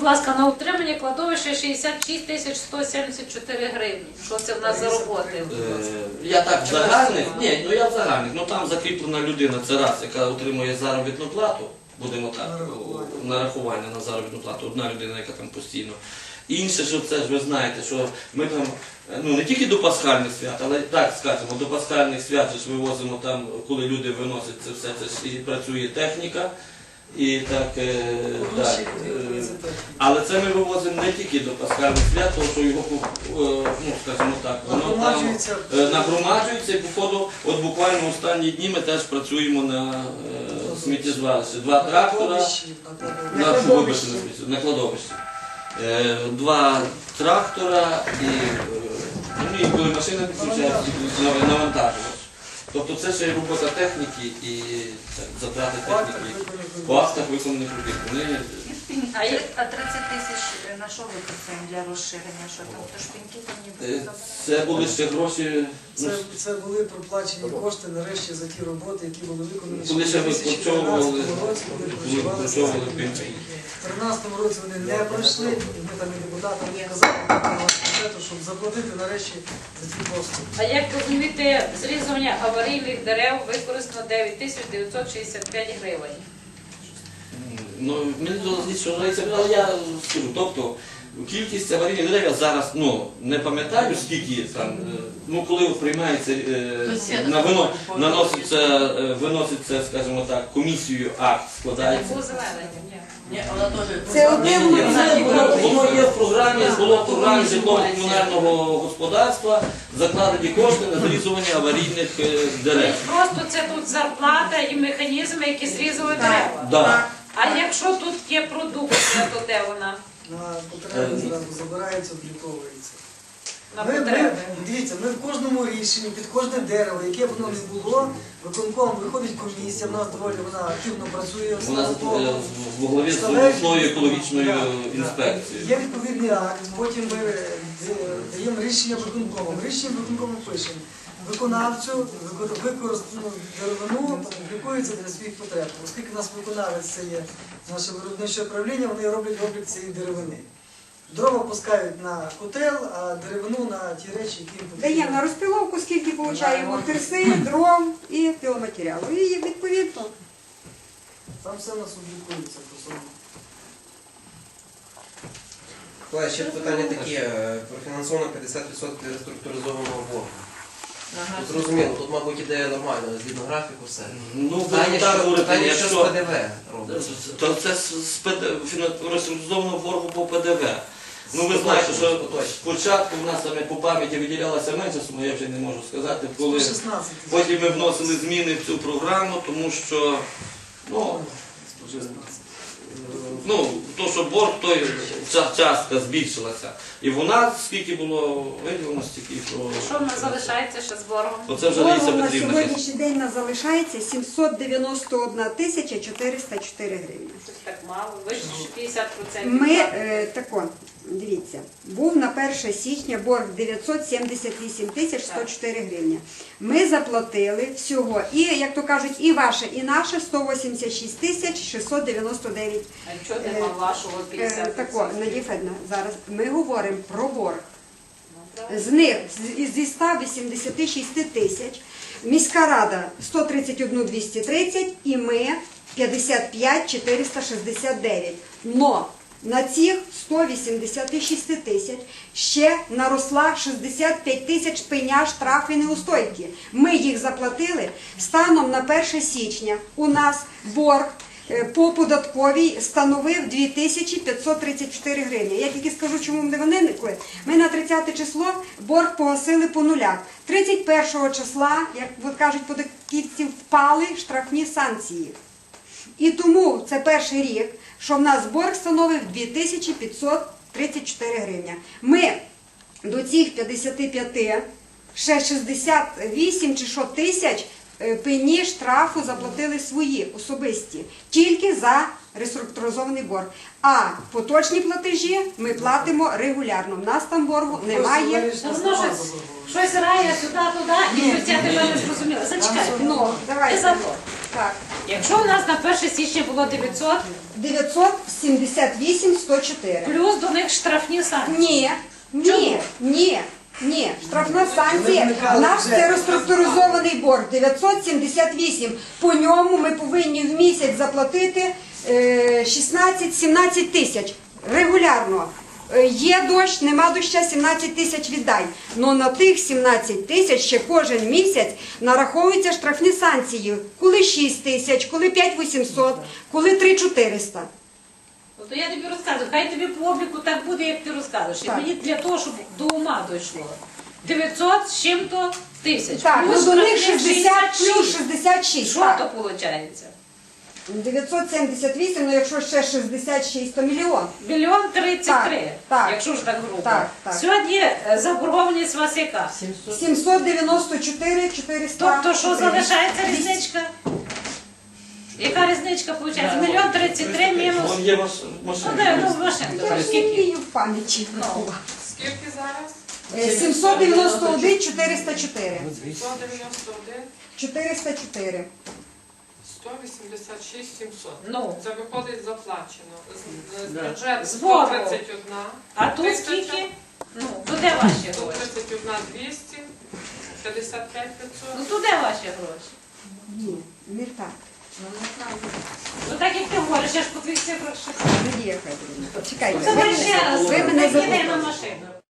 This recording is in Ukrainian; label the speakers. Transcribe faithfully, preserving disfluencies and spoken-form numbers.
Speaker 1: будь ласка, на утримання кладовища шістдесят шість тисяч сто сімдесят чотири гривні. Що це в нас за роботи?
Speaker 2: Е, Я так в загальних, ні, ну я в загальних, ну там закріплена людина, це раз, яка отримує заробітну плату, будемо так, нарахування на заробітну плату, одна людина, яка там постійно. Інше, що це ж ви знаєте, що ми там, ну не тільки до пасхальних свят, але так скажемо, до пасхальних свят же ж вивозимо там, коли люди виносять це все, це ж і працює техніка. І так, е, так е, але це ми вивозимо не тільки до пасхальних свят, тому що його, е, ну скажімо так, воно там е, нагромаджується і по ходу, от буквально останні дні ми теж працюємо на е, сміттєзвалищі. Два трактора, на, вибачте, на, сміття, на кладовищі. Е, два трактора і, е, ну, і коли машина підключається, навантажувач. Тобто це ще й робота техніки і так, затрати техніки по актах виконаних робіт. Вони...
Speaker 3: А, є, а тридцять тисяч на що використаємо для розширення? Що там, то шпиньки там ніби забрали?
Speaker 2: Це були ще гроші...
Speaker 4: Це, це були проплачені кошти нарешті за ті роботи, які були виконані
Speaker 2: Коли ще
Speaker 4: в дві тисячі тринадцятому році, коли проживали в
Speaker 2: пенсії.
Speaker 4: В тринадцятому році вони не пройшли, і ми там і депутатам казали, щоб заплатити нарешті за ці послуги.
Speaker 1: А як розумієте, зрізування аварійних дерев використано дев'ять тисяч дев'ятсот шістдесят п'ять гривень?
Speaker 2: Ну, мені дозволить, що говориться, але я скажу, тобто кількість аварійних дерев я зараз, ну, не пам'ятаю, скільки там, ну, коли приймається, е, на вино, наноситься, е, виноситься, скажімо так, комісією акт складається.
Speaker 5: Це одне
Speaker 2: Ні, ні, воно є в програмі, було в програмі житлово-комунального господарства закладені кошти на зрізування аварійних е, дерев.
Speaker 1: Просто це тут зарплата і механізми, які зрізали дерева.
Speaker 2: Да.
Speaker 1: А якщо тут є продукція, то де вона?
Speaker 4: На потреби зразу забирається, обліковується.
Speaker 1: На
Speaker 4: Ми, ми,
Speaker 1: потреби.
Speaker 4: дивіться, ми в кожному рішенні, під кожне дерево, яке б воно не було, виконком виходить комісія, в нас доволі вона активно працює.
Speaker 2: Вона
Speaker 4: слава Богу.
Speaker 2: в голові з
Speaker 4: Вставляє-
Speaker 2: обласною екологічною
Speaker 4: Да, да.
Speaker 2: інспекцією.
Speaker 4: Є відповідний акт, потім ми е, даємо рішення виконкому. Рішення виконкому пишемо. Виконавцю використану деревину облікується для своїх потреб. Оскільки у нас виконавець це є наше виробниче управління, вони роблять облік цієї деревини. Дрова пускають на котел, а деревину на ті речі, які їм потрібні.
Speaker 5: даємо на розпиловку, скільки получаємо терси, дров і піломатеріалу. І відповідно.
Speaker 4: Там все у нас облікується по собі.
Speaker 6: Колеги, ще питання таке, профінансовано п'ятдесят відсотків реструктуризованого боргу. Тут зрозуміло, тут, мабуть, іде нормально, згідно графіку, все.
Speaker 2: Ну,
Speaker 6: Питання,
Speaker 2: так
Speaker 6: що,
Speaker 2: говорити,
Speaker 6: питання, що з
Speaker 2: якщо...
Speaker 6: ПДВ робиться.
Speaker 2: То це з розструзованого боргу по ПДВ. Ну ви знаєте, що спочатку в нас саме по пам'яті виділялася менша сума, я вже не можу сказати, коли
Speaker 4: сто шістнадцять тисяч.
Speaker 2: потім ми вносили зміни в цю програму, тому що, ну, ну, то, що борг, той ча- частка збільшилася. І в нас скільки було виділено, стільки, що...
Speaker 1: Що в нас залишається ще з боргом?
Speaker 2: Оце вже Лариса
Speaker 5: Боргом на
Speaker 2: Петрівна.
Speaker 5: сьогоднішній день нас залишається сімсот дев'яносто одна тисяча чотириста чотири гривні.
Speaker 1: Щось так мало, вище п'ятдесят відсотків.
Speaker 5: Ми, е, тако, дивіться, був на перше січня борг дев'ятсот сімдесят вісім тисяч сто чотири гривні. Ми заплатили всього, і, як то кажуть, і ваше, і наше сто вісімдесят шість тисяч шістсот дев'яносто дев'ять.
Speaker 1: А чого нема вашого
Speaker 5: Е,
Speaker 1: п'ятдесят
Speaker 5: Тако,
Speaker 1: відсотків?
Speaker 5: Надія Федорівна, зараз ми говоримо про борг. З них, з- зі ста вісімдесят шість тисяч, міська рада сто тридцять один тисячу двісті тридцять і ми п'ятдесят п'ять тисяч чотириста шістдесят дев'ять. Но на цих сто вісімдесят шість тисяч ще наросла шістдесят п'ять тисяч пеня штрафи неустойки. Ми їх заплатили. Станом на перше січня у нас борг е, по податковій становив дві тисячі п'ятсот тридцять чотири гривні. Я тільки скажу, чому ми вони виникли. Ми на тридцяте число борг погасили по нулях. тридцять першого числа, як от кажуть податківці, впали штрафні санкції. І тому це перший рік, що в нас борг становив дві тисячі п'ятсот тридцять чотири гривні. Ми до цих п'ятдесят п'ять, ще шістдесят вісім чи що тисяч е, пені штрафу заплатили свої, особисті, тільки за реструктуризований борг. А поточні платежі ми платимо регулярно. В нас там боргу немає.
Speaker 1: Ну, воно щось, щось рає сюди-туди, і щось я тебе не зрозуміла. Зачекайте.
Speaker 5: Ну, давайте.
Speaker 1: Ти за борг.
Speaker 5: Так.
Speaker 1: Якщо у нас на перше січня було дев'ятсот,
Speaker 5: дев'ятсот сімдесят вісім сто чотири.
Speaker 1: плюс до них штрафні санкції.
Speaker 5: Ні, ні, ні, ні. Штрафна санкція. У нас це розструктуризований борг дев'ятсот сімдесят вісім. По ньому ми повинні в місяць заплатити е, шістнадцять-сімнадцять тисяч регулярно. Е, Є дощ, нема доща, сімнадцять тисяч віддай. Но на тих сімнадцять тисяч ще кожен місяць нараховуються штрафні санкції. Коли шість тисяч, коли п'ять вісімсот, коли три чотириста.
Speaker 1: То я тобі розказую, хай тобі по обліку так буде, як ти розказуєш. І
Speaker 5: Так.
Speaker 1: мені для того, щоб до ума дійшло. дев'ятсот з чим-то тисяч.
Speaker 5: Так, ну
Speaker 1: плюс
Speaker 5: до них
Speaker 1: штрафних
Speaker 5: шістдесят плюс
Speaker 1: шість.
Speaker 5: шістдесят шість.
Speaker 1: Що
Speaker 5: так.
Speaker 1: то виходить?
Speaker 5: дев'ятсот сімдесят вісім, ну якщо ще шістдесят шість, то мільйон.
Speaker 1: Мільйон тридцять три,
Speaker 5: Так, так.
Speaker 1: якщо ж так грубо.
Speaker 5: Так, так.
Speaker 1: Сьогодні е, заборгованість у вас яка?
Speaker 5: сімсот дев'яносто чотири чотириста.
Speaker 1: Тобто, що залишається різничка? Яка різничка виходить? Мільйон тридцять три мінус.
Speaker 2: Вон є ваш
Speaker 1: Ну, де,
Speaker 2: машина.
Speaker 1: ну, машинка.
Speaker 5: Я ж не
Speaker 1: Скільки?
Speaker 5: вмію в пам'яті.
Speaker 1: Ну.
Speaker 7: Скільки зараз?
Speaker 5: Е, сімсот дев'яносто один чотириста чотири.
Speaker 7: сто дев'яносто один,
Speaker 5: чотириста чотири.
Speaker 7: сто вісімдесят шість, сімсот.
Speaker 1: Ну.
Speaker 7: Це виходить заплачено. З, з
Speaker 2: Да.
Speaker 7: бюджету
Speaker 1: Збору.
Speaker 7: сто тридцять один.
Speaker 1: А тут
Speaker 7: Тисяча.
Speaker 1: скільки? Ну, то де ваші
Speaker 7: сто
Speaker 1: гроші?
Speaker 7: тридцять один двісті, п'ятдесят п'ять п'ятсот.
Speaker 1: Ну, то де ваші гроші?
Speaker 5: Ні, не так.
Speaker 1: Ну, так як ти говориш, я ж по твоїх цифрах ще.
Speaker 5: Надія Федорівна, почекайте.
Speaker 1: Це
Speaker 5: Ви
Speaker 1: ще раз.
Speaker 5: мене- ви мене
Speaker 1: Так, іди
Speaker 5: запитали.
Speaker 1: на машину.